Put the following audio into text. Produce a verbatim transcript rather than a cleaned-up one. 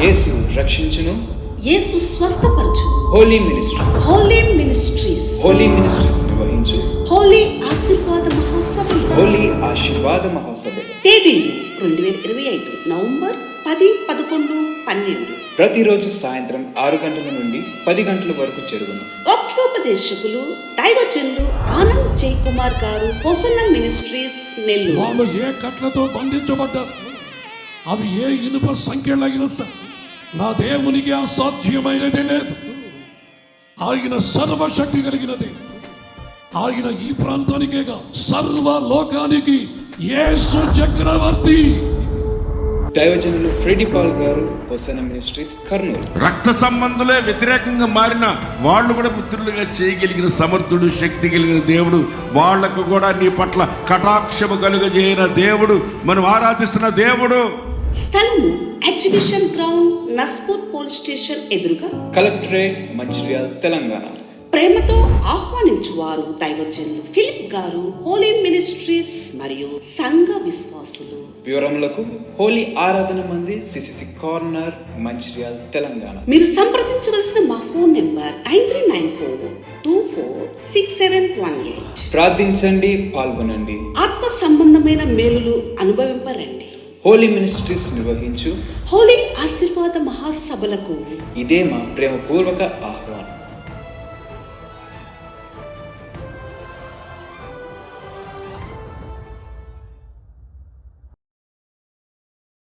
యేసు రక్షించును, యేసు స్వస్థపరచును. Holy ministries holy ministries holy ministries నిర్వహించు హోలీ ఆశీర్వాద మహాసభలు. హోలీ ఆశీర్వాద మహోత్సవం తేదీలు రెండు వేల ఇరవై ఐదు నవంబర్ పది పదకొండు పన్నెండు. ప్రతిరోజు సాయంత్రం ఆరు గంటల నుండి పది గంటల వరకు జరుగును. వాక్యోపదేశకులు దైవజనులు ఆనంద్ జై కుమార్ గారు, హోసన్న మినిస్ట్రీస్ నెల్లూరు. వాళ్ళు ఏ కట్లతో బంధించబడ్డారు, అవి ఏ ఇనుప సంఖ్యలైన నా దేవునికి అసాధ్యమైనది లేదు. ఆయన సర్వశక్తి కలిగినది. ఆయన ఈ ప్రాంతానికేగా సర్వ లోకానికి యేసు చక్రవర్తి. దైవజనులు ఫ్రెడీ పాల్ గారు, హోసన్న మినిస్ట్రీస్ కర్నూలు. రక్త సంబంధులే వ్యతిరేకంగా మారిన వాళ్ళు కూడా మిత్రులుగా చేయగలిగిన సమర్థుడు, శక్తి కలిగిన దేవుడు. వాళ్లకు కూడా నీ పట్ల కటాక్షము కలుగజేయన దేవుడు, మనం ఆరాధిస్తున్న దేవుడు. స్థలము exhibition ground, Naspur police station ఎదురుగా, కలెక్టరేట్, మంచిర్యాల, తెలంగాణ. ప్రేమతో ఆహ్వానించువారు దైవజనులు ఫిలిప్ గారు, హోలీ మినిస్ట్రీస్ మరియు సంఘ విశ్వాసులు. వివరములకు హోలీ ఆరాధన మంది, సిసిసి కార్నర్, మంచిర్యాల, తెలంగాణ. మీరు సంప్రదించవలసిన మా phone number nine three nine four two four six seven one eight. ప్రార్థించండి, పాల్గొనండి, ఆత్మ సంబంధమైన మేలులు అనుభవింపరండి. హోలీ మినిస్ట్రీస్ నిర్వహించు హోలీ ఆశీర్వాద మహాసభలకు ఇదే మా ప్రేమపూర్వక ఆహ్వానం.